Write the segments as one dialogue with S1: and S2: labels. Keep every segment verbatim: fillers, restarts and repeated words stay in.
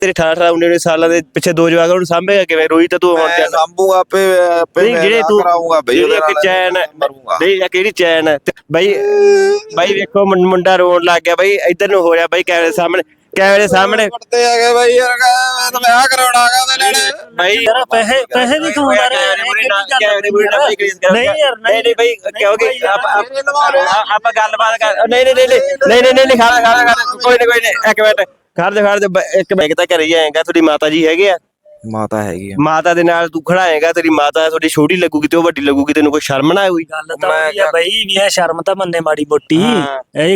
S1: ਤੇਰੇ ਅਠਾਰਾਂ ਅਠਾਰਾਂ ਉੱਨੀ ਉੱਨੀ ਸਾਲਾਂ ਦੇ ਪਿੱਛੇ ਦੋ ਜਵਾਕ ਉਹਨੂੰ ਸਾਂਭੇਗਾ ਕਿਵੇਂ? ਰੋਈ ਤਾਂ ਤੂੰ ਹੁਣ
S2: ਮੈਂ ਸਾਂਭੂਗਾ ਆਪੇ ਆਪੇ
S1: ਨਹੀਂ ਜਿਹੜੇ ਤੂੰ
S2: ਕਰਾਉਂਗਾ ਬਈ
S1: ਜਿਹੜੀ ਇੱਕ ਚੈਨ ਨਹੀਂ ਕਿਹੜੀ ਚੈਨ ਬਈ ਬਾਈ ਵੇਖੋ ਮੁੰਡਾ ਰੋਣ ਲੱਗ ਗਿਆ ਬਈ ਇੱਧਰ ਨੂੰ ਹੋ ਰਿਹਾ ਬਈ ਕੈਮਰੇ ਸਾਹਮਣੇ ਕੈਮਰੇ ਸਾਹਮਣੇ
S2: ਕੁੱਟਦੇ ਹੈਗੇ ਬਈ ਯਾਰ ਮੈਂ ਤਾਂ ਵਿਆਹ ਕਰਾਉਣਾ ਹੈਗਾ ਉਹਦੇ ਲੈਣੇ
S1: ਬਈ
S3: ਯਾਰ ਪੈਸੇ ਪੈਸੇ ਨਹੀਂ ਕਮਾਉਂਦਾ ਰਿਹਾ ਨਹੀਂ ਯਾਰ
S1: ਨਹੀਂ ਨਹੀਂ ਬਈ ਕਿਉਂਕਿ ਆਪਾਂ ਗੱਲਬਾਤ ਕਰ ਨਹੀਂ ਨਹੀਂ ਨਹੀਂ ਨਹੀਂ ਨਹੀਂ ਨਹੀਂ ਖਾਣਾ ਖਾਣਾ ਖਾਣਾ ਕੋਈ ਨਹੀਂ ਕੋਈ ਨਹੀਂ ਇੱਕ ਮਿੰਟ ਖੜ ਜਾ ਖੜ ਜਾ ਇੱਕ ਬੈਗ ਤਾਂ ਘਰੇ ਹੀ ਆਏਗਾ ਤੁਹਾਡੀ ਮਾਤਾ ਜੀ ਹੈਗੇ ਆ
S2: ਮਾਤਾ ਹੈਗੀ ਆ
S1: ਮਾਤਾ ਦੇ ਨਾਲ ਤੂੰ ਖੜਾਏਗਾ ਤੇਰੀ ਮਾਤਾ ਤੁਹਾਡੀ ਛੋਟੀ ਲੱਗੂਗੀ ਤੇ ਉਹ ਵੱਡੀ ਲੱਗੂਗੀ ਤੈਨੂੰ ਕੋਈ ਸ਼ਰਮ ਨਾ ਆਊਗੀ
S3: ਗੱਲ ਤਾਂ ਹੋਈ ਆ ਬਈ ਵੀ ਇਹ ਸ਼ਰਮ ਤਾਂ ਮੰਨੇ ਮਾੜੀ ਮੋਟੀ ਇਹ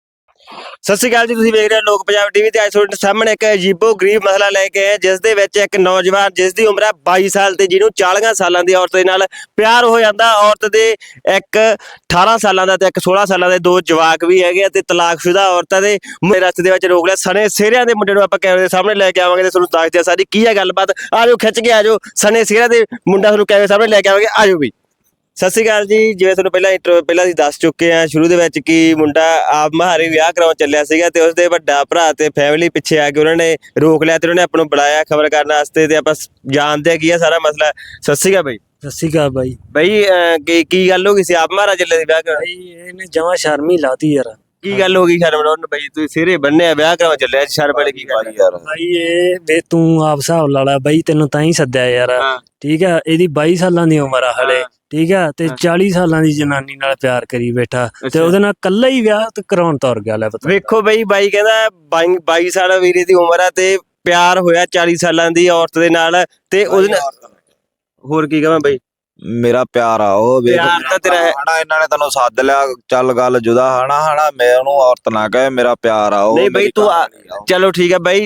S1: ਸਤਿ ਸ਼੍ਰੀ ਅਕਾਲ ਜੀ ਤੁਸੀਂ ਵੇਖ ਰਹੇ ਹੋ ਲੋਕ ਪੰਜਾਬ ਟੀਵੀ ਤੇ ਅੱਜ ਤੁਹਾਡੇ ਸਾਹਮਣੇ ਇੱਕ ਅਜੀਬੋ ਗਰੀਬ ਮਸਲਾ ਲੈ ਕੇ ਆਏ ਜਿਸ ਦੇ ਵਿੱਚ ਇੱਕ ਨੌਜਵਾਨ ਜਿਸ ਦੀ ਉਮਰ ਹੈ ਬਾਈ ਸਾਲ ਤੇ ਜਿਹਨੂੰ ਚਾਲੀਆਂ ਸਾਲਾਂ ਦੀ ਔਰਤ ਦੇ ਨਾਲ ਪਿਆਰ ਹੋ ਜਾਂਦਾ ਔਰਤ ਦੇ ਇੱਕ ਅਠਾਰਾਂ ਸਾਲਾਂ ਦਾ ਤੇ ਇੱਕ ਸੋਲਾਂ ਸਾਲਾਂ ਦੇ ਦੋ ਜਵਾਕ ਵੀ ਹੈਗੇ ਤੇ ਤਲਾਕਸ਼ੁਦਾ ਔਰਤਾਂ ਦੇ ਰਸਤੇ ਦੇ ਵਿੱਚ ਰੋਕ ਲਿਆ ਸਣੇ ਸਿਹਰਿਆਂ ਦੇ ਮੁੰਡੇ ਨੂੰ ਆਪਾਂ ਕੈਮਰੇ ਦੇ ਸਾਹਮਣੇ ਲੈ ਕੇ ਆਵਾਂਗੇ ਤੇ ਤੁਹਾਨੂੰ ਦੱਸਦੇ ਆ ਸਾਰੀ ਕੀ ਹੈ ਗੱਲਬਾਤ ਆ ਜਾਓ ਖਿੱਚ ਕੇ ਆ ਜਾਓ ਸਣੇ ਸਿਹਰਿਆਂ ਦੇ ਮੁੰਡਾ ਤੁਹਾਨੂੰ ਕੈਮਰੇ ਸਾਹਮਣੇ ਲੈ ਕੇ ਆਵਾਂਗੇ ਆ ਜਾਓ ਵੀ ਸਤਿ ਸ਼੍ਰੀ ਅਕਾਲ ਜੀ ਜਿਵੇਂ ਤੁਹਾਨੂੰ ਪਹਿਲਾਂ ਪਹਿਲਾਂ ਅਸੀਂ ਦੱਸ ਚੁੱਕੇ ਹਾਂ ਸ਼ੁਰੂ ਦੇ ਵਿੱਚ ਕਿ ਮੁੰਡਾ ਆਪ ਮਹਾਰੇ ਵਿਆਹ ਕਰਾਉਣ ਚੱਲਿਆ ਸੀਗਾ ਤੇ ਉਸਦੇ ਵੱਡਾ ਭਰਾ ਤੇ ਫੈਮਿਲੀ ਪਿੱਛੇ ਆ ਕੇ ਉਹਨਾਂ ਨੇ ਰੋਕ ਲਿਆ ਤੇ ਉਹਨਾਂ ਨੇ ਆਪਾਂ ਨੂੰ ਬੁਲਾਇਆ ਖਬਰ ਕਰਨ ਵਾਸਤੇ ਤੇ ਆਪਾਂ ਜਾਣਦੇ ਆ ਕੀ ਆ ਸਾਰਾ ਮਸਲਾ। ਸਤਿ ਸ਼੍ਰੀ ਅਕਾਲ ਬਾਈ।
S3: ਸਤਿ ਸ਼੍ਰੀ ਅਕਾਲ ਬਾਈ।
S1: ਬਾਈ ਕੀ ਕੀ ਗੱਲ ਹੋ ਗਈ ਸੀ ਆਪ ਮਹਾਰਾ ਚੱਲੇ ਸੀ ਵਿਆਹ ਕਰਾਉਣ?
S3: ਬਾਈ ਇਹਨੇ ਜਮਾਂ ਸ਼ਰਮ ਹੀ ਲਾਤੀ ਯਾਰ।
S1: ਕੀ ਗੱਲ ਹੋ ਗਈ ਸ਼ਰਮ ਲਾਉਣ? ਬਾਈ ਤੁਸੀਂ ਸਿਰੇ ਬੰਨੇ ਆ ਵਿਆਹ ਕਰਾਉਣ ਚੱਲਿਆ ਸ਼ਰਮ ਵਾਲੀ ਕੀ ਗੱਲ
S2: ਯਾਰ?
S3: ਬਾਈ ਇਹ ਵੇ ਤੂੰ ਆਪ ਹਿਸਾਬ ਲਾ ਲਾ ਬਾਈ ਤੈਨੂੰ ਤਾਂ ਹੀ ਸੱਦਿਆ ਯਾਰ ਠੀਕ ਆ। ਇਹਦੀ ਬਾਈ ਸਾਲਾਂ ਦੀ ਉਮਰ ਆ ਹਲੇ ਠੀਕ ਆ ਤੇ ਚਾਲੀ ਸਾਲਾਂ ਦੀ ਜਨਾਨੀ ਨਾਲ ਪਿਆਰ ਕਰੀ ਬੈਠਾ ਤੇ ਉਹਦੇ ਨਾਲ ਕੱਲਾ ਹੀ ਵਿਆਹ ਤੇ ਕਰਾਉਣ ਤੁਰ ਗਿਆ ਲੈ ਪਤਾ।
S1: ਵੇਖੋ ਬਈ ਬਾਈ ਕਹਿੰਦਾ ਬਾਈ ਸਾਲ ਵੀਰੇ ਦੀ ਉਮਰ ਆ ਤੇ ਪਿਆਰ ਹੋਇਆ ਚਾਲੀ ਸਾਲਾਂ ਦੀ ਔਰਤ ਦੇ ਨਾਲ ਤੇ ਉਹਦੇ ਨਾਲ ਹੋਰ ਕੀ ਕਹਾਂ ਬਈ
S2: ਮੇਰਾ ਪਿਆਰ ਆ ਉਹ
S1: ਪਿਆਰ ਤਾਂ ਤੇਰਾ
S2: ਹਨਾ ਇਹਨਾਂ ਨੇ ਤੈਨੂੰ ਸੱਦ ਲਿਆ ਚੱਲ ਗੱਲ ਜੁਦਾ ਹਨਾ ਹਨਾ ਮੈਂ ਉਹਨੂੰ ਔਰਤ ਨਾ ਕਹੇ ਮੇਰਾ ਪਿਆਰ ਆ ਉਹ
S1: ਨਹੀਂ ਬਈ ਤੂੰ ਚਲੋ ਠੀਕ ਆ ਬਾਈ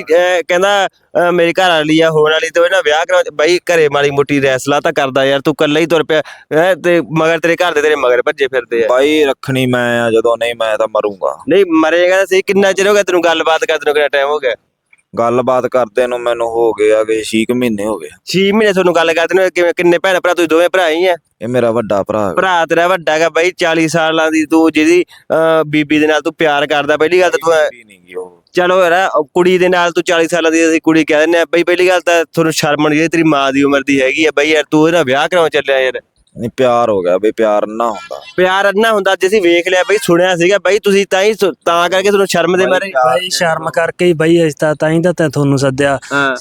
S1: ਕਹਿੰਦਾ ਮੇਰੀ ਘਰ ਵਾਲੀ ਆ ਹੋਣ ਵਾਲੀ ਤੇ ਇਹਨਾਂ ਵਿਆਹ ਕਰਾ ਬਾਈ ਘਰੇ ਮਾੜੀ ਮੋਟੀ ਰੈਸਲਾ ਤਾਂ ਕਰਦਾ ਯਾਰ ਤੂੰ ਕੱਲਾ ਹੀ ਤੁਰ ਪਿਆ ਤੇ ਮਗਰ ਤੇਰੇ ਘਰ ਦੇ ਤੇਰੇ ਮਗਰ ਭੱਜੇ ਫਿਰਦੇ ਆ।
S2: ਬਾਈ ਰੱਖਣੀ ਮੈਂ ਆ ਜਦੋਂ ਨਹੀਂ ਮੈਂ ਤਾਂ ਮਰੂੰਗਾ।
S1: ਨਹੀਂ ਮਰੇਗਾ ਤਾਂ ਸਹੀ ਕਿੰਨਾ ਚਿਰ ਹੋ ਗਿਆ ਤੈਨੂੰ ਗੱਲਬਾਤ ਕਰਦੇ ਨੂੰ ਕਿੰਨਾ ਟਾਈਮ ਹੋ ਗਿਆ?
S2: ਗੱਲਬਾਤ ਕਰਦੇ ਨੂੰ ਮੈਨੂੰ ਹੋ ਗਿਆ ਕਿ ਛੇ ਮਹੀਨੇ ਹੋ ਗਏ।
S1: ਛੇ ਮਹੀਨੇ ਤੁਹਾਨੂੰ ਗੱਲ ਕਰਦੇ ਨੂੰ ਕਿਵੇਂ ਕਿੰਨੇ ਭੈਣ ਭਰਾ ਤੁਸੀਂ ਦੋਵੇਂ ਭਰਾ ਹੀ ਆ?
S2: ਇਹ ਮੇਰਾ ਵੱਡਾ ਭਰਾ
S1: ਭਰਾ ਤੇਰਾ ਵੱਡਾ ਹੈਗਾ ਬਾਈ ਚਾਲੀ ਸਾਲਾਂ ਦੀ ਤੂੰ ਜਿਹਦੀ ਬੀਬੀ ਦੇ ਨਾਲ ਤੂੰ ਪਿਆਰ ਕਰਦਾ ਪਹਿਲੀ ਗੱਲ ਤਾਂ ਤੂੰ ਚਲੋ ਯਾਰ ਕੁੜੀ ਦੇ ਨਾਲ ਤੂੰ ਚਾਲੀ ਸਾਲਾਂ ਦੀ ਅਸੀਂ ਕੁੜੀ ਕਹਿ ਦਿੰਦੇ ਆ ਬਈ ਪਹਿਲੀ ਗੱਲ ਤਾਂ ਤੁਹਾਨੂੰ ਸ਼ਰਮ ਨਹੀਂ ਤੇਰੀ ਮਾਂ ਦੀ ਉਮਰ ਦੀ ਹੈਗੀ ਆ ਬਈ ਯਾਰ ਤੂੰ ਇਹਦਾ ਵਿਆਹ ਕਰਾਉਣ ਚੱਲਿਆ ਯਾਰ।
S2: ਨਹੀਂ ਪਿਆਰ ਹੋ ਗਿਆ ਬਈ ਪਿਆਰ ਨਾ ਹੁੰਦਾ
S1: ਪਿਆਰ ਅੰਨਾ ਹੁੰਦਾ ਜੇ ਅਸੀਂ ਵੇਖ ਲਿਆ ਬਈ ਸੁਣਿਆ ਸੀਗਾ ਬਈ ਤੁਸੀਂ ਤਾਂ ਹੀ ਤਾਂ ਕਰਕੇ ਤੁਹਾਨੂੰ ਸ਼ਰਮ ਦੇ ਮਾਰੇ
S3: ਬਾਈ ਸ਼ਰਮ ਕਰਕੇ ਹੀ ਬਾਈ ਅਸੀਂ ਤਾਂ ਤਾਂ ਹੀ ਤਾਂ ਤੈਂ ਤੁਹਾਨੂੰ ਸੱਦਿਆ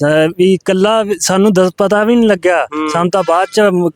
S3: ਵੀ ਕੱਲਾ ਸਾਨੂੰ ਦੱਸ ਪਤਾ ਵੀ ਨਹੀਂ ਲੱਗਿਆ ਸਾਨੂੰ ਤਾਂ ਬਾਅਦ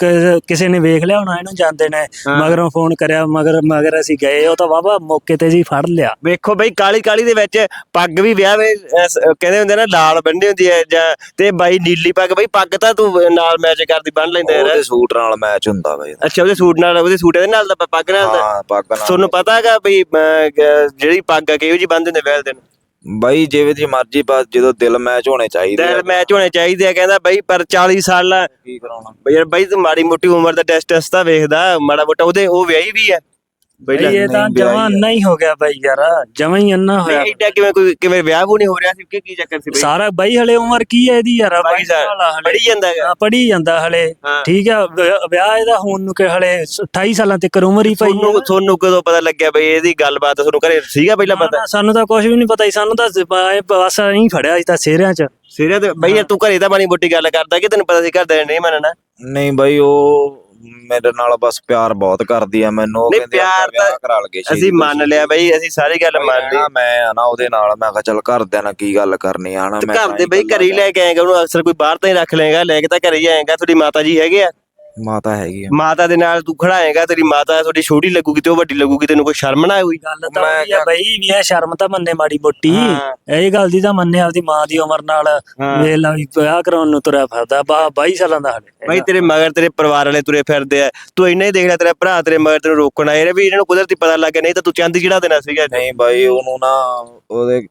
S3: ਚ ਕਿਸੇ ਨੇ ਵੇਖ ਲਿਆ ਹੋਣਾ ਇਹਨੂੰ ਜਾਂਦੇ ਨੇ ਮਗਰੋਂ ਫੋਨ ਕਰਿਆ ਮਗਰ ਮਗਰ ਅਸੀਂ ਗਏ ਉਹ ਤਾਂ ਵਾਵਾ ਮੌਕੇ ਤੇ ਜੀ ਫੜ ਲਿਆ।
S1: ਵੇਖੋ ਬਈ ਕਾਲੀ ਕਾਲੀ ਦੇ ਵਿੱਚ ਪੱਗ ਵੀ ਵਿਆਹ ਵੇ ਕਹਿੰਦੇ ਹੁੰਦੇ ਨਾ ਲਾਲ ਬੰਨੀ ਹੁੰਦੀ ਹੈ ਜਾਂ ਤੇ ਬਾਈ ਨੀਲੀ ਪੱਗ ਬਈ ਪੱਗ ਤਾਂ ਤੂੰ ਨਾਲ ਮੈਚ ਕਰਦੀ ਬੰਨ ਲੈਂਦਾ ਯਾਰ
S2: ਸੂਟ ਨਾਲ ਮੈਚ ਹੁੰਦਾ।
S1: ਅੱਛਾ ਉਹਦੇ ਸੂਟ ਨਾਲ ਉਹਦੇ ਸੂਟ ਦੇ ਨਾਲ ਦਾ ਪੱਗ ਨਾਲ ਦਾ ਤੁਹਾਨੂੰ ਪਤਾ ਹੈਗਾ ਬਈ ਜਿਹੜੀ ਪੱਗ ਆ ਕਿਹੋ ਜਿਹੀ ਬੰਨ੍ਹਦੇ ਹੁੰਦੇ ਵਿਆਹ ਦਿਨ?
S2: ਬਾਈ ਜਿਵੇਂ ਦੀ ਮਰਜ਼ੀ ਬਸ ਜਦੋਂ ਦਿਲ ਮੈਚ ਹੋਣੇ ਚਾਹੀਦੇ
S1: ਦਿਲ ਮੈਚ ਹੋਣੇ ਚਾਹੀਦੇ ਆ ਕਹਿੰਦਾ ਬਈ ਪਰ ਚਾਲੀ ਸਾਲ
S2: ਕੀ ਕਰਾਉਣਾ
S1: ਬਈ ਯਾਰ ਬਈ ਤੂੰ ਮਾੜੀ ਮੋਟੀ ਉਮਰ ਦਾ ਟੈਸਟ ਟੈਸਟ ਤਾਂ ਵੇਖਦਾ ਮਾੜਾ ਮੋਟਾ ਉਹਦੇ ਉਹ ਵਿਆਹੀ ਵੀ ਆ
S3: ਬਈ ਇਹ ਤਾਂ ਜਮਾਂ ਅੰਨਾ ਹੀ ਹੋ ਗਿਆ ਬਾਈ ਯਾਰ ਜਮਾਂ ਹੀ ਅੰਨਾ ਹੋਇਆ।
S1: ਐਡਾ ਕਿਵੇਂ ਕੋਈ ਕਿਵੇਂ ਵਿਆਹ ਵੀ ਨਹੀਂ ਹੋ ਰਿਹਾ ਸੀ ਕਿ ਕੀ ਚੱਕਰ ਸੀ ਬਈ?
S3: ਸਾਰਾ ਬਾਈ ਹਲੇ ਉਮਰ ਕੀ ਹੈ ਇਹਦੀ ਯਾਰ
S1: ਪੜੀ ਜਾਂਦਾ ਹੈਗਾ
S3: ਪੜੀ ਜਾਂਦਾ ਹਲੇ ਠੀਕ ਆ ਵਿਆਹ ਇਹਦਾ ਹੁਣ ਨੂੰ ਕਿ ਹਲੇ ਅਠਾਈ ਸਾਲਾਂ ਤੱਕ ਉਮਰ ਹੀ ਪਈ।
S1: ਤੁਹਾਨੂੰ ਕਦੋਂ ਪਤਾ ਲੱਗਿਆ ਬਈ ਇਹਦੀ ਗੱਲਬਾਤ ਤੁਹਾਨੂੰ ਘਰੇ ਸੀਗਾ ਪਹਿਲਾਂ ਪਤਾ?
S3: ਸਾਨੂੰ ਤਾਂ ਕੁਝ ਵੀ ਨਹੀਂ ਪਤਾ ਸੀ ਸਾਨੂੰ ਤਾਂ ਬਸ ਨਹੀਂ ਫੜਿਆ ਸੀ ਤਾਂ ਸਿਹਰਿਆਂ ਚ
S1: ਸਿਹਰਿਆਂ ਤੇ ਬਈ ਤੂੰ ਘਰੇ ਤਾਂ ਮਾੜੀ ਮੋਟੀ ਗੱਲ ਕਰਦਾ ਕਿ ਤੈਨੂੰ ਪਤਾ ਸੀ ਘਰਦਿਆਂ ਨੇ ਨਹੀਂ ਮੰਨਣਾ?
S2: ਨਹੀਂ ਬਾਈ ਉਹ ਮੇਰੇ ਨਾਲ ਬਸ ਪਿਆਰ ਬਹੁਤ ਕਰਦੀ ਆ ਮੈਨੂੰ ਉਹ ਕਹਿੰਦੇ ਵਿਆਹ ਕਰਾ ਲਗੇ
S1: ਅਸੀਂ ਮੰਨ ਲਿਆ ਬਈ ਅਸੀਂ ਸਾਰੀ ਗੱਲ ਮੰਨ ਲਈ
S2: ਮੈਂ ਆ ਨਾ ਉਹਦੇ ਨਾਲ ਮੈਂ ਕਿਹਾ ਚੱਲ ਘਰਦਿਆਂ ਨਾਲ ਕੀ ਗੱਲ ਕਰਨੀ ਆ ਨਾ ਮੈਂ
S1: ਘਰ ਦੇ ਬਈ ਘਰੇ ਹੀ ਲੈ ਕੇ ਆਏਗਾ ਉਹਨੂੰ ਅਕਸਰ ਕੋਈ ਬਾਹਰ ਤਾਂ ਹੀ ਰੱਖ ਲਏਗਾ ਲੈ ਕੇ ਤਾਂ ਘਰੇ ਹੀ ਆਏਗਾ। ਤੁਹਾਡੀ ਮਾਤਾ ਜੀ ਹੈਗੇ ਆ?
S2: ਮਾਤਾ ਹੈਗੀ ਆ।
S1: ਮਾਤਾ ਦੇ ਨਾਲ ਤੂੰ ਖੜਾਏਗਾ ਤੇਰੀ ਮਾਤਾ ਤੁਹਾਡੀ ਛੋਟੀ ਲੱਗੂਗੀ ਤੇ ਉਹ ਵੱਡੀ ਲੱਗੂਗੀ ਤੈਨੂੰ ਕੋਈ ਸ਼ਰਮ ਨਾ ਆਊਗੀ?
S3: ਗੱਲ ਤਾਂ ਹੋਈ ਆ ਬਈ ਵੀ ਇਹ ਸ਼ਰਮ ਤਾਂ ਮੰਨੇ ਮਾੜੀ ਮੋਟੀ ਇਹ ਗੱਲ ਦੀ ਤਾਂ ਮੰਨੇ ਆਪਦੀ ਮਾਂ ਦੀ ਉਮਰ ਨਾਲ ਵੇਖ ਲਾ ਵੀ ਵਿਆਹ ਕਰਾਉਣ ਨੂੰ ਤੁਰਿਆ ਫਿਰਦਾ ਬਾਈ ਸਾਲਾਂ ਦਾ ਹਲੇ
S1: ਬਾਈ ਤੇਰੇ ਮਗਰ ਤੇਰੇ ਪਰਿਵਾਰ ਵਾਲੇ ਤੁਰੇ ਫਿਰਦੇ ਆ ਤੂੰ ਇੰਨਾ ਹੀ ਦੇਖ ਲੈ ਤੇਰਾ ਭਰਾ ਤੇਰੇ ਮਗਰ ਤੈਨੂੰ ਰੋਕਣ ਆਏ ਵੀ ਇਹਨਾਂ ਨੂੰ ਕੁਦਰਤੀ ਪਤਾ ਲੱਗ ਗਿਆ ਨਹੀਂ ਤਾਂ ਤੂੰ ਚੰਦ ਜਿਹੜਾ ਦੇਣਾ ਸੀਗਾ।
S2: ਨਹੀਂ ਬਾਈ ਉਹਨੂੰ ਨਾ ਉਹਦੇ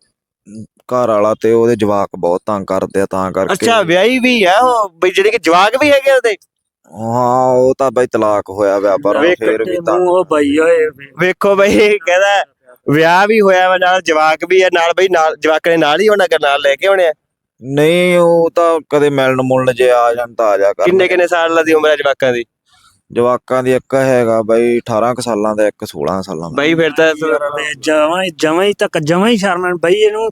S2: ਘਰ ਵਾਲਾ ਤੇ ਉਹਦੇ ਜਵਾਕ ਬਹੁਤ ਤੰਗ ਕਰਦੇ ਆ ਤਾਂ ਕਰਕੇ।
S1: ਅੱਛਾ ਵਿਆਹੀ ਵੀ ਆ ਉਹ ਬਈ ਜਿਹੜੇ ਕਿ ਜਵਾਕ ਵੀ ਹੈਗੇ ਉਹਦੇ?
S2: ਹਾਂ ਉਹ ਤਾਂ ਬਈ ਤਲਾਕ ਹੋਇਆ ਵਿਆਹ ਪਰ ਫੇਰ ਵੀ ਤਾਂ
S3: ਉਹ ਬਾਈ ਓਏ
S1: ਵੇਖੋ ਬਈ ਕਹਿੰਦਾ ਵਿਆਹ ਵੀ ਹੋਇਆ ਵਾ ਨਾਲ ਜਵਾਕ ਵੀ ਆ ਨਾਲ ਬਈ ਨਾਲ ਜਵਾਕ ਨੇ ਨਾਲ ਹੀ ਹੋਣਾ ਨਾਲ ਲੈ ਕੇ ਆਉਣੇ ਆ?
S2: ਨਹੀਂ ਉਹ ਤਾਂ ਕਦੇ ਮਿਲਣ ਮੁਲਣ ਜੇ ਆ ਜਾਣ ਤਾਂ ਆ ਜਾ ਕਰ।
S1: ਕਿੰਨੇ ਕਿੰਨੇ ਸਾਲ ਦੀ ਉਮਰ ਹੈ ਜਵਾਕਾਂ ਦੀ?
S2: ਜਵਾਕਾਂ ਦੀ ਇੱਕ ਹੈਗਾ ਬਈ ਅਠਾਰਾਂ ਕੁ ਸਾਲਾਂ ਦਾ ਇੱਕ ਸੋਲਾਂ ਸਾਲਾਂ ਦਾ।
S1: ਬਈ ਫਿਰ ਤਾਂ
S3: ਜਮਾਂ ਹੀ ਜਮਾਂ ਹੀ ਤੱਕ ਜਮਾਂ ਹੀ ਸ਼ਰਮ ਬਈ ਇਹਨੂੰ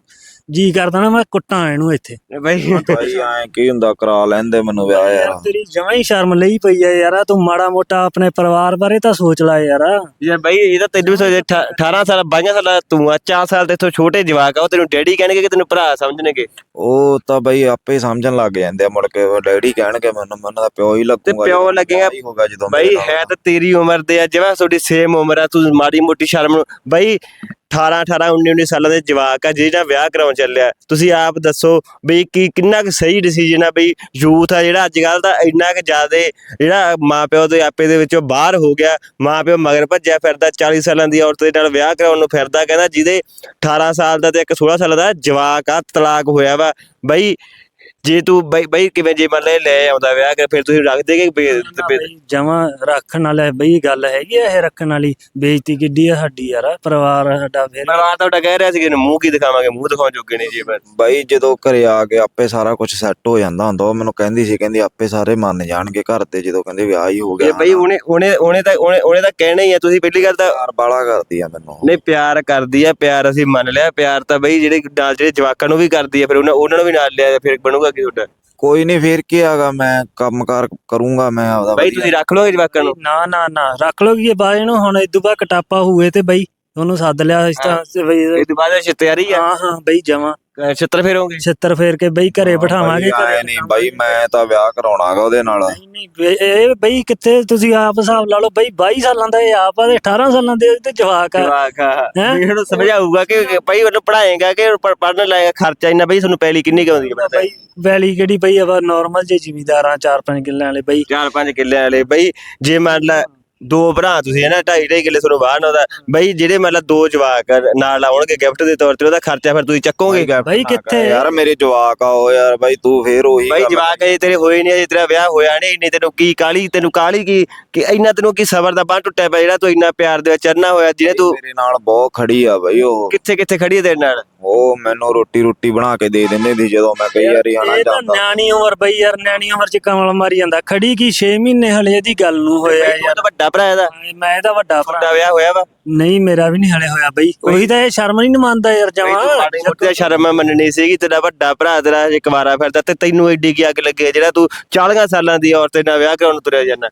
S3: ਜੀ ਕਰਦਾ ਨਾ ਮੈਂ ਕੁੱਟਾਂ ਇਹਨੂੰ ਇੱਥੇ।
S1: ਬਈ
S2: ਬਾਈ ਐ ਕੀ ਹੁੰਦਾ, ਕਰਾ ਲੈਂਦੇ ਮੈਨੂੰ ਵਿਆਹ ਯਾਰ।
S3: ਤੇਰੀ ਜਮਾਂ ਹੀ ਸ਼ਰਮ ਲਈ ਪਈ ਆ ਯਾਰ, ਤੂੰ ਮਾੜਾ ਮੋਟਾ ਆਪਣੇ ਪਰਿਵਾਰ ਬਾਰੇ ਤਾਂ ਸੋਚ ਲੈ ਯਾਰ।
S1: ਯਾਰ ਬਈ ਇਹ ਤਾਂ ਤੈਨੂੰ ਵੀ ਸੋਚ ਅਠਾਰਾਂ ਸਾਲ ਬਾਈਆਂ ਸਾਲ ਤੂੰ ਆ, ਚਾਰ ਸਾਲ ਤੇ ਇਥੋਂ ਛੋਟੇ ਜਵਾਕ ਆ, ਉਹ ਤੈਨੂੰ ਡੈਡੀ ਕਹਿਣਗੇ ਕਿ ਤੈਨੂੰ ਭਰਾ ਸਮਝਣਗੇ?
S2: ਉਹ ਤਾਂ ਬਈ ਆਪੇ ਸਮਝਣ ਲੱਗ ਜਾਂਦੇ ਆ, ਮੁੜ ਕੇ ਡੈਡੀ ਕਹਿਣਗੇ ਮੈਨੂੰ, ਮੈਨੂੰ ਤਾਂ ਪਿਓ ਹੀ
S1: ਤੇ
S2: ਲੱਗੂਗਾ।
S1: ਪਿਓ ਲੱਗੇਗਾ
S2: ਹੋਗਾ ਜਦੋਂ
S1: ਬਈ, ਹੈ ਤਾਂ ਤੇਰੀ ਉਮਰ ਦੇ ਆ, ਜਿਵੇਂ ਤੁਹਾਡੀ ਸੇਮ ਉਮਰ ਆ, ਤੂੰ ਮਾੜੀ ਮੋਟੀ ਸ਼ਰਮ ਬਈ ਅਠਾਰਾਂ ਅਠਾਰਾਂ ਉੱਨੀ ਉੱਨੀ ਸਾਲਾਂ ਦੇ ਜਵਾਕ ਆ ਜਿਹਦਾ ਵਿਆਹ ਕਰਾਉਣ ਚੱਲਿਆ। ਤੁਸੀਂ ਆਪ ਦੱਸੋ ਬਈ ਕੀ ਕਿੰਨਾ ਕੁ ਸਹੀ ਡਿਸੀਜਨ ਆ ਬਈ? ਯੂਥ ਆ ਜਿਹੜਾ ਅੱਜ ਕੱਲ ਦਾ ਇੰਨਾ ਕੁ ਜ਼ਿਆਦਾ ਜਿਹੜਾ ਮਾਂ ਪਿਓ ਦੇ ਆਪੇ ਦੇ ਵਿੱਚੋਂ ਬਾਹਰ ਹੋ ਗਿਆ, ਮਾਂ ਪਿਓ ਮਗਰ ਭੱਜਿਆ ਫਿਰਦਾ, ਚਾਲੀ ਸਾਲਾਂ ਦੀ ਔਰਤ ਦੇ ਨਾਲ ਵਿਆਹ ਕਰਾਉਣ ਨੂੰ ਫਿਰਦਾ, ਕਹਿੰਦਾ ਜਿਹਦੇ ਅਠਾਰਾਂ ਸਾਲ ਦਾ ਤੇ ਇੱਕ ਸੋਲਾਂ ਸਾਲ ਦਾ ਜਵਾਕ ਆ, ਤਲਾਕ ਹੋਇਆ ਵਾ। ਬਈ ਜੇ ਤੂੰ ਬਈ ਬਈ ਕਿਵੇਂ ਜੇ ਮੰਨ ਲੈ ਲੈ ਆਉਂਦਾ ਵਿਆਹ ਕਰ, ਫਿਰ ਤੁਸੀਂ ਰੱਖ ਦੇਗੇ?
S3: ਜਮਾ ਰੱਖਣ ਵਾਲਾ ਬਈ ਗੱਲ ਹੈਗੀ ਆ ਇਹ ਰੱਖਣ ਵਾਲੀ? ਬੇਇੱਜ਼ਤੀ ਕਿੱਡੀ ਆ ਸਾਡੀ ਯਾਰ, ਪਰਿਵਾਰ ਸਾਡਾ। ਫਿਰ
S1: ਪਰਿਵਾਰ ਤੁਹਾਡਾ ਕਹਿ ਰਿਹਾ ਸੀ ਕਿ ਮੂੰਹ ਕੀ ਦਿਖਾਵਾਂਗੇ, ਮੂੰਹ ਦਿਖਾਉਣ ਜੋਗੇ ਨਹੀਂ ਜੀ।
S2: ਬਾਈ ਜਦੋਂ ਘਰੇ ਆ ਕੇ ਆਪੇ ਸਾਰਾ ਕੁਝ ਸੈੱਟ ਹੋ ਜਾਂਦਾ ਹੁੰਦਾ। ਉਹ ਮੈਨੂੰ ਕਹਿੰਦੀ ਸੀ, ਕਹਿੰਦੀ ਆਪੇ ਸਾਰੇ ਮੰਨ ਜਾਣਗੇ ਘਰ ਤੇ ਜਦੋਂ ਕਹਿੰਦੇ ਵਿਆਹ ਹੀ ਹੋ ਗਿਆ।
S1: ਬਈ ਉਹਨੇ ਉਹਨੇ ਉਹਨੇ ਤਾਂ ਉਹਨੇ ਉਹਨੇ ਤਾਂ ਕਹਿਣਾ ਹੀ ਆ। ਤੁਸੀਂ ਪਹਿਲੀ ਗੱਲ ਤਾਂ
S2: ਪਿਆਰ ਬਾਲਾ ਕਰਦੀ ਆ ਮੈਨੂੰ।
S1: ਨਹੀਂ, ਪਿਆਰ ਕਰਦੀ ਆ, ਪਿਆਰ ਅਸੀਂ ਮੰਨ ਲਿਆ। ਪਿਆਰ ਤਾਂ ਬਈ ਜਿਹੜੇ ਨਾਲ ਜਿਹੜੇ ਜਵਾਕਾਂ ਨੂੰ ਵੀ ਕਰਦੀ ਆ, ਫਿਰ ਉਹਨਾਂ ਉਹਨਾਂ ਨੂੰ ਵੀ ਨਾਲ ਲਿਆ, ਫਿਰ ਬਣੂਗਾ ਕੀ ਤੁਹਾਡਾ?
S2: ਕੋਈ ਨਹੀਂ, ਫੇਰ ਕੀ ਹੈਗਾ, ਮੈਂ ਕੰਮਕਾਰ ਕਰੂੰਗਾ ਮੈਂ ਆਪਦਾ।
S1: ਬਈ ਤੁਸੀਂ ਰੱਖ ਲਓਗੇ ਜਵਾਕਾਂ ਨੂੰ?
S3: ਨਾ ਨਾ ਨਾ ਰੱਖ ਲੋ ਕੀ ਬਾਅਦ ਨੂੰ, ਹੁਣ ਇਦੋਂ ਬਾਅਦ ਕਟਾਪਾ ਹੋਏ ਤੇ ਬਈ ਉਹਨੂੰ ਸੱਦ ਲਿਆ ਇਸ ਤਾਂ ਬਈ।
S1: ਇਹ ਤੋਂ ਬਾਅਦ ਤਿਆਰੀ ਆ?
S3: ਹਾਂ ਹਾਂ ਬਈ ਜਮਾ
S1: ਛਿੱਤਰ ਫੇਰੋਗੇ?
S3: ਛਿੱਤਰ ਫੇਰ ਕੇ ਬਈ ਘਰੇ ਬਿਠਾਵਾਂਗੇ।
S2: ਘਰੇ ਨਹੀਂ ਬਾਈ, ਮੈਂ ਤਾਂ ਵਿਆਹ ਕਰਾਉਣਾਗਾ ਉਹਦੇ ਨਾਲ।
S3: ਨਹੀਂ ਨਹੀਂ ਇਹ ਬਈ ਕਿੱਥੇ, ਤੁਸੀਂ ਆਪ ਹਿਸਾਬ ਲਾ ਲਓ ਬਈ, ਬਾਈ ਸਾਲਾਂ ਦਾ ਇਹ ਆਪ ਆ ਤੇ ਅਠਾਰਾਂ ਸਾਲਾਂ ਦੇ ਤੇ ਜਵਾਕ ਆ।
S1: ਜਵਾਕ ਆ, ਇਹਨੂੰ ਸਮਝਾਊਗਾ ਕਿ ਬਈ ਉਹਨੂੰ ਪੜਾਏਗਾ ਕਿ ਪੜਨ ਲਾਏਗਾ, ਖਰਚਾ ਇੰਨਾ। ਬਈ ਤੁਹਾਨੂੰ ਪਹਿਲੀ ਕਿੰਨੀ ਕੁ ਆਉਂਦੀ ਹੈ?
S3: ਬਈ ਵੈਲੀ ਕਿਹੜੀ ਬਈ ਆ, ਨੋਰਮਲ ਜੇ ਜ਼ਿਮੀਦਾਰਾਂ ਚਾਰ ਪੰਜ ਕਿੱਲਿਆਂ ਵਾਲੇ ਬਈ।
S1: ਚਾਰ ਪੰਜ ਕਿੱਲਿਆਂ ਵਾਲੇ ਬਈ, ਜੇ ਮੰਨ ਲਾ ਦੋ ਭਰਾ ਤੁਸੀਂ ਹੈ ਨਾ, ਢਾਈ ਢਾਈ ਕਿੱਲੇ ਤੁਹਾਨੂੰ ਬਾਹਰ ਆਉਂਦਾ ਬਈ, ਜਿਹੜੇ ਮਤਲਬ ਦੋ ਜਵਾਕ ਨਾਲ ਆਉਣਗੇ ਗਿਫਟ ਦੇ ਤੌਰ ਤੇ, ਉਹਦਾ ਖਰਚਾ ਫਿਰ ਤੁਸੀਂ ਚੱਕੋਗੇ?
S3: ਬਈ ਕਿੱਥੇ
S2: ਯਾਰ ਮੇਰੇ ਜਵਾਕ ਆ ਉਹ ਯਾਰ। ਬਾਈ ਤੂੰ ਫੇਰ ਉਹੀ
S1: ਬਈ ਜਵਾਕ ਅਜੇ ਤੇਰੇ ਹੋਏ ਨਹੀਂ, ਅਜੇ ਤੇਰਾ ਵਿਆਹ ਹੋਇਆ ਨਹੀਂ, ਇੰਨੀ ਤੈਨੂੰ ਕੀ ਕਾਲੀ, ਤੈਨੂੰ ਕਾਲੀ ਕੀ ਕਿ ਇੰਨਾ ਤੈਨੂੰ ਕੀ ਸਬਰ ਦਾ ਬਾਂਹ ਟੁੱਟਿਆ ਪਿਆ ਜਿਹੜਾ ਤੂੰ ਇੰਨਾ ਪਿਆਰ ਦੇ ਵਿੱਚ ਚੜਨਾ ਹੋਇਆ, ਜਿਹਨੇ ਤੂੰ
S2: ਮੇਰੇ ਨਾਲ ਬਹੁਤ ਖੜੀ ਆ ਬਈ। ਉਹ
S1: ਕਿੱਥੇ ਕਿੱਥੇ ਖੜੀ ਹੈ ਤੇਰੇ ਨਾਲ?
S2: ਉਹ ਮੈਨੂੰ ਰੋਟੀ ਰੋਟੀ ਬਣਾ ਕੇ ਦੇ ਦਿੰਦੇ ਸੀ ਜਦੋਂ ਮੈਂ ਕਈ ਵਾਰੀ ਆਣਾ
S3: ਇਹ ਤਾਂ
S2: ਜਾਂਦਾ।
S3: ਨਿਆਣੀ ਉਮਰ ਬਈ ਯਾਰ, ਨਿਆਣੀ ਉਮਰ ਚ ਕਮਲ ਮਾਰੀ ਜਾਂਦਾ। ਖੜੀ ਕੀ ਛੇ ਮਹੀਨੇ ਹਲੇ ਇਹਦੀ ਗੱਲ ਨੂੰ ਹੋਇਆ
S1: ਯਾਰ। ਤਾਂ ਵੱਡਾ ਭਰਾ ਇਹਦਾ?
S3: ਮੈਂ ਇਹਦਾ ਵੱਡਾ ਭਰਾ।
S1: ਤੁਹਾਡਾ ਵਿਆਹ ਹੋਇਆ ਵਾ?
S3: ਨਹੀਂ ਮੇਰਾ ਵੀ ਨਹੀਂ ਹਲੇ ਹੋਇਆ ਬਈ। ਉਹੀ ਤਾਂ ਇਹ ਸ਼ਰਮ ਨਹੀਂ ਮੰਨਦਾ ਯਾਰ ਜਮਾ।
S1: ਮਾੜੀ ਮੋਟੀ ਸ਼ਰਮ ਮੰਨਣੀ ਸੀਗੀ, ਤੇਰਾ ਵੱਡਾ ਭਰਾ ਤੇਰਾ ਹਜੇ ਕੁਵਾਰਾ ਫਿਰਦਾ ਤੇ ਤੈਨੂੰ ਏਡੀ ਕੀ ਅੱਗ ਲੱਗੇ ਜਿਹੜਾ ਤੂੰ ਚਾਲੀਆਂ ਸਾਲਾਂ ਦੀ ਔਰਤ ਨਾਲ ਵਿਆਹ ਕਰਾਉਣ ਤੁਰਿਆ ਜਾਂਦਾ?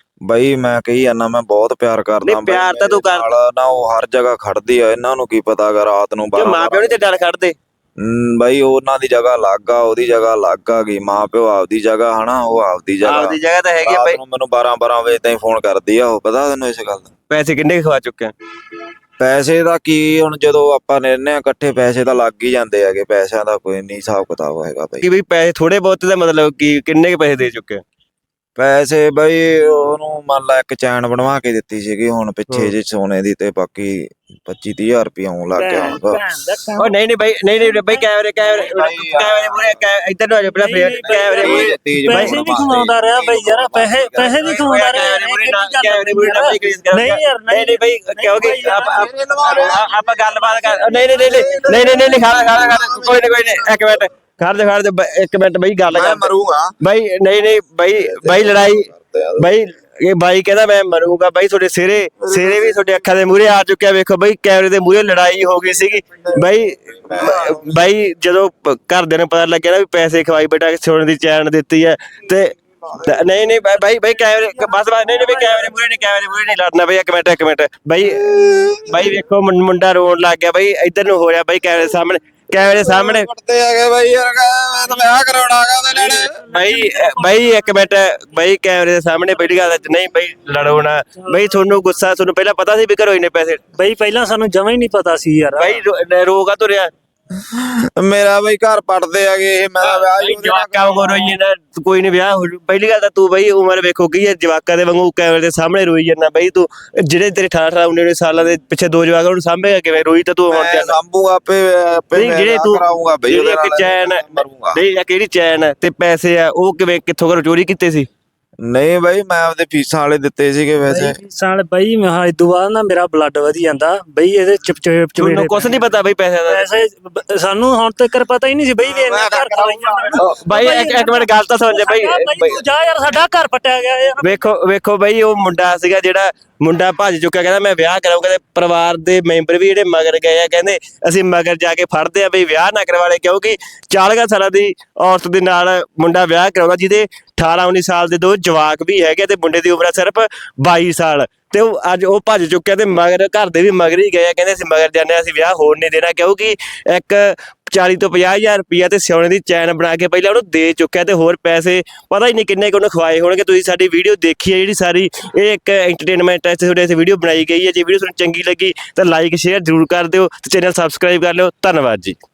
S2: ਬਈ ਮੈਂ ਕਹੀ ਜਾਂਦਾ, ਮੈਂ ਬਹੁਤ ਪਿਆਰ ਕਰਦਾ।
S1: ਨਹੀਂ ਪਿਆਰ ਤਾਂ ਤੂੰ ਕਰ
S2: ਨਾ, ਉਹ ਹਰ ਜਗ੍ਹਾ ਖੜਦੀ ਆ। ਇਹਨਾਂ ਨੂੰ ਕੀ ਪਤਾਗਾ ਰਾਤ ਨੂੰ
S1: ਬਾਰਾਂ ਮਾਂ ਪਿਓ ਨੀ ਤੇ ਡਰ ਖੜਦੇ?
S2: ਬਾਈ ਉਹਨਾਂ ਦੀ ਜਗ੍ਹਾ ਅਲੱਗ ਆ, ਉਹਦੀ ਜਗ੍ਹਾ ਅਲੱਗ ਆ ਗਈ। ਮਾਂ ਪਿਓ ਆਪਦੀ ਜਗ੍ਹਾ ਹਨਾ, ਉਹ ਆਪਦੀ ਜਗ੍ਹਾ
S1: ਆਪਦੀ ਜਗ੍ਹਾ ਤਾਂ ਹੈਗੀ ਆ ਬਈ।
S2: ਮੈਨੂੰ ਬਾਰਾਂ ਬਾਰਾਂ ਵਜੇ ਤਾਈਂ ਫੋਨ ਕਰਦੀ ਆ ਉਹ, ਪਤਾ ਤੈਨੂੰ ਇਸ ਗੱਲ ਦਾ?
S1: ਪੈਸੇ ਕਿੰਨੇ ਖਵਾ ਚੁੱਕੇ?
S2: ਪੈਸੇ ਦਾ ਕੀ ਹੁਣ, ਜਦੋਂ ਆਪਾਂ ਰਹਿੰਦੇ ਆ ਇਕੱਠੇ ਪੈਸੇ ਤਾਂ ਲੱਗ ਹੀ ਜਾਂਦੇ ਹੈਗੇ। ਪੈਸਿਆਂ ਦਾ ਕੋਈ ਨਹੀਂ ਹਿਸਾਬ ਕਿਤਾਬ ਹੈਗਾ ਬਈ।
S1: ਕਿ ਬਈ ਪੈਸੇ ਥੋੜੇ ਬਹੁਤ ਦਾ ਮਤਲਬ ਕੀ ਕਿੰਨੇ ਕੁ ਪੈਸੇ ਦੇ ਚੁੱਕੇ?
S2: ਪੈਸੇ ਬਈ ਉਹਨੂੰ ਮੰਨ ਲਾ ਇੱਕ ਚੈਨ ਬਣਵਾ ਕੇ ਦਿੱਤੀ ਸੀਗੀ ਹੁਣ ਪਿੱਛੇ ਜੇ ਸੋਨੇ ਦੀ, ਤੇ ਬਾਕੀ ਪੱਚੀ ਤੀਹ ਹਜ਼ਾਰ ਰੁਪਇਆ ਆਉਣ ਲੱਗ ਗਿਆ ਹੁਣ।
S1: ਉਹ ਨਹੀਂ ਨਹੀਂ ਬਈ, ਨਹੀਂ ਨਹੀਂ ਬਈ, ਕੈਮਰੇ ਕੈਮਰੇ ਕੈਮਰੇ ਮੂਰੇ ਇੱਧਰ ਨੂੰ ਆ ਜਾ ਪਹਿਲਾਂ, ਫੇਰ ਕੈਮਰੇ ਮੂਰੇ
S3: ਪੈਸੇ ਵੀ ਕਮਾਉਂਦਾ ਰਿਹਾ ਬਈ ਯਾਰ, ਪੈਸੇ ਪੈਸੇ ਵੀ ਕਮਾਉਂਦਾ ਰਿਹਾ।
S1: ਕੈਮਰੇ ਮੂਰੇ
S3: ਨਹੀਂ ਯਾਰ
S1: ਨਹੀਂ ਨਹੀਂ ਬਈ, ਕਿਉਂਕਿ ਆਪਾਂ ਗੱਲਬਾਤ ਕਰ। ਨਹੀਂ ਨਹੀਂ ਨਹੀਂ ਨਹੀਂ ਨਹੀਂ ਨਹੀਂ ਖਾਣਾ ਖਾਣਾ ਖਾਣਾ ਕੋਈ ਨਹੀਂ ਕੋਈ ਨਹੀਂ, ਇੱਕ ਮਿੰਟ ਖੜ ਜਾ ਖੜ ਜਾ ਇੱਕ ਮਿੰਟ ਬਈ, ਗੱਲ ਕਰ।
S2: ਮਰੂੰਗਾ
S1: ਬਈ ਨਹੀਂ ਨਹੀਂ ਬਈ ਬਈ ਲੜਾਈ ਬਈ, ਇਹ ਬਾਈ ਕਹਿੰਦਾ ਮੈਂ ਮਰੂੰਗਾ। ਬਾਈ ਤੁਹਾਡੇ ਸਿਰੇ ਸਿਰੇ ਵੀ ਤੁਹਾਡੇ ਅੱਖਾਂ ਦੇ ਮੂਹਰੇ ਆ ਚੁੱਕਿਆ। ਵੇਖੋ ਬਈ ਕੈਮਰੇ ਦੇ ਮੂਹਰੇ ਲੜਾਈ ਹੋ ਗਈ ਸੀਗੀ ਬਾਈ। ਬਾਈ ਜਦੋਂ ਘਰਦਿਆਂ ਨੂੰ ਪਤਾ ਲੱਗਿਆ ਨਾ ਵੀ ਪੈਸੇ ਖਵਾਈ ਬੇਟਾ, ਸੋਨੇ ਦੀ ਚੈਨ ਦਿੱਤੀ ਹੈ ਤੇ ਨਹੀਂ ਨਹੀਂ ਬਾਈ ਬਾਈ ਕੈਮਰੇ ਬਸ ਬਸ ਨਹੀਂ ਨਹੀਂ ਬਈ ਕੈਮਰੇ ਮੂਹਰੇ ਨਹੀਂ, ਕੈਮਰੇ ਮੂਹਰੇ ਨਹੀਂ ਲੜਨਾ ਬਈ। ਇੱਕ ਮਿੰਟ ਇੱਕ ਮਿੰਟ ਬਾਈ ਬਾਈ ਵੇਖੋ ਮੁੰਡਾ ਰੋਣ ਲੱਗ ਗਿਆ ਬਾਈ, ਇੱਧਰ ਨੂੰ ਹੋ ਰਿਹਾ ਬਾਈ ਕੈਮਰੇ ਸਾਹਮਣੇ, ਕੈਮਰੇ ਸਾਹਮਣੇ
S2: ਪੜਦੇ ਹੈਗੇ ਬਾਈ ਯਾਰ। ਮੈਂ ਤਾਂ ਵਿਆਹ ਕਰਾਉਣਾਗਾ ਉਹਦੇ ਨਾਲ
S1: ਬਾਈ। ਬਾਈ ਇੱਕ ਮਿੰਟ ਬਾਈ, ਕੈਮਰੇ ਦੇ ਸਾਹਮਣੇ ਪਹਿਲੀ ਗੱਲ ਨਹੀਂ ਬਾਈ ਲੜੋ ਨਾ ਬਾਈ। ਤੁਹਾਨੂੰ ਗੁੱਸਾ, ਤੁਹਾਨੂੰ ਪਹਿਲਾਂ ਪਤਾ ਸੀ ਵੀ ਘਰੋਂ ਇੰਨੇ ਪੈਸੇ?
S3: ਬਈ ਪਹਿਲਾਂ ਸਾਨੂੰ ਜਮਾ ਹੀ ਨਹੀਂ ਪਤਾ ਸੀ ਯਾਰ।
S1: ਬਾਈ ਰੋਗਾ ਤੁਰਿਆ
S2: ਮੇਰਾ ਬਈ ਘਰ ਪੜਦੇ ਹੈਗੇ ਇਹ, ਮੈਂ ਵਿਆਹ ਹੀ
S1: ਜਵਾਕਾਂ ਵਾਂਗੂ ਰੋਈ ਜਾਂਦਾ। ਕੋਈ ਨਹੀਂ ਵਿਆਹ ਹੋ ਜੂ। ਪਹਿਲੀ ਗੱਲ ਤਾਂ ਤੂੰ ਬਈ ਉਮਰ ਵੇਖੋ ਕੀ ਹੈ, ਜਵਾਕਾਂ ਦੇ ਵਾਂਗੂ ਕੈਮਰੇ ਦੇ ਸਾਹਮਣੇ ਰੋਈ ਜਾਂਦਾ ਬਈ ਤੂੰ। ਜਿਹੜੇ ਤੇਰੇ ਅਠਾਰਾਂ ਅਠਾਰਾਂ ਉੱਨੀ ਉੱਨੀ ਸਾਲਾਂ ਦੇ ਪਿੱਛੇ ਦੋ ਜਵਾਕ ਉਹਨੂੰ ਸਾਂਭੇਗਾ ਕਿਵੇਂ? ਰੋਈ ਤਾਂ ਤੂੰ ਹੁਣ
S2: ਮੈਂ ਸਾਂਭੂਗਾ ਆਪੇ ਆਪੇ
S1: ਜਿਹੜੇ ਤੂੰ
S2: ਕਰਾਉਂਗਾ ਬਈ ਉਹਦੇ ਨਾਲ
S1: ਚੈਨ ਨਹੀਂ ਜਾਂ ਕਿਹੜੀ ਚੈਨ ਤੇ ਪੈਸੇ ਆ ਉਹ ਕਿਵੇਂ ਕਿੱਥੋਂ ਘਰੋਂ ਚੋਰੀ ਕੀਤੇ ਸੀ?
S2: ਨਹੀਂ ਬਾਈ ਮੈਂ ਆਪਦੇ ਫੀਸਾਂ ਵਾਲੇ ਦਿੱਤੇ ਸੀਗੇ ਵੈਸੇ।
S3: ਸਾਲ ਬਈ ਮੈਂ ਇਦੋਂ ਬਾਅਦ ਨਾ ਮੇਰਾ ਬਲੱਡ ਵਧੀ ਜਾਂਦਾ ਬਈ, ਇਹਦੇ ਚਿਪਚਿਪ
S1: ਤੁਹਾਨੂੰ ਕੁਛ ਨਹੀਂ ਪਤਾ ਬਈ ਪੈਸੇ ਦਾ?
S3: ਪੈਸੇ ਸਾਨੂੰ ਹੁਣ ਤੱਕ ਪਤਾ ਹੀ ਨਹੀਂ ਸੀ ਬਈ ਵੀ ਇੰਨਾ ਘਰ ਖਵਾਈ ਜਾਂਦਾ।
S1: ਬਾਈ ਇੱਕ ਮਿੰਟ ਗੱਲ ਤਾਂ ਸੁਣ ਜਾ ਬਈ।
S3: ਜਾ ਯਾਰ ਸਾਡਾ ਘਰ ਪਟਿਆ ਗਿਆ ਯਾਰ।
S1: ਵੇਖੋ ਵੇਖੋ ਬਈ ਉਹ ਮੁੰਡਾ ਸੀਗਾ ਜਿਹੜਾ ਮੁੰਡਾ ਭੱਜ ਚੁੱਕਿਆ, ਕਹਿੰਦਾ ਮੈਂ ਵਿਆਹ ਕਰਾਉਂਗਾ। ਤੇ ਪਰਿਵਾਰ ਦੇ ਮੈਂਬਰ ਵੀ ਜਿਹੜੇ ਮਗਰ ਗਏ ਆ, ਕਹਿੰਦੇ ਅਸੀਂ ਮਗਰ ਜਾ ਕੇ ਫੜਦੇ ਆ ਬਈ ਵਿਆਹ ਨਾ ਕਰਵਾ ਲੈ, ਕਿਉਂਕਿ ਚਾਲੀਆਂ ਸਾਲਾਂ ਦੀ ਔਰਤ ਦੇ ਨਾਲ ਮੁੰਡਾ ਵਿਆਹ ਕਰਾਉਂਦਾ ਜਿਹਦੇ ਅਠਾਰਾਂ ਉੱਨੀ ਸਾਲ ਦੇ ਦੋ ਜਵਾਕ ਵੀ ਹੈਗੇ ਤੇ ਮੁੰਡੇ ਦੀ ਉਮਰ ਸਿਰਫ ਬਾਈ ਸਾਲ। ਤੇ ਉਹ ਅੱਜ ਉਹ ਭੱਜ ਚੁੱਕਿਆ ਤੇ ਮਗਰ ਘਰ ਦੇ ਵੀ ਮਗਰ ਹੀ ਗਏ ਆ, ਕਹਿੰਦੇ ਅਸੀਂ ਮਗਰ ਜਾਂਦੇ ਹਾਂ, ਅਸੀਂ ਵਿਆਹ ਹੋਣ ਨਹੀਂ ਦੇਣਾ, ਕਿਉਂਕਿ ਇੱਕ ਚਾਲੀ ਤੋਂ ਪੰਜਾਹ ਹਜ਼ਾਰ ਰੁਪਈਆ ਤੇ ਸੋਨੇ ਦੀ ਚੈਨ ਬਣਾ ਕੇ ਪਹਿਲਾਂ ਉਹਨੂੰ ਦੇ ਚੁੱਕਿਆ ਤੇ ਹੋਰ ਪੈਸੇ ਪਤਾ ਹੀ ਨਹੀਂ ਕਿੰਨੇ ਕੁ ਉਹਨੂੰ ਖਵਾਏ ਹੋਣਗੇ। ਤੁਸੀਂ ਸਾਡੀ ਵੀਡੀਓ ਦੇਖੀ ਹੈ ਜਿਹੜੀ ਸਾਰੀ, ਇਹ ਇੱਕ ਐਂਟਰਟੇਨਮੈਂਟ ਹੈ, ਤੁਹਾਡੇ ਇਸ ਵੀਡੀਓ ਬਣਾਈ ਗਈ ਹੈ। ਜੇ ਵੀਡੀਓ ਤੁਹਾਨੂੰ ਚੰਗੀ ਲੱਗੀ ਤਾਂ ਲਾਈਕ ਸ਼ੇਅਰ ਜ਼ਰੂਰ ਕਰ ਦਿਓ ਤੇ ਚੈਨਲ ਸਬਸਕ੍ਰਾਈਬ ਕਰ ਲਿਓ। ਧੰਨਵਾਦ ਜੀ।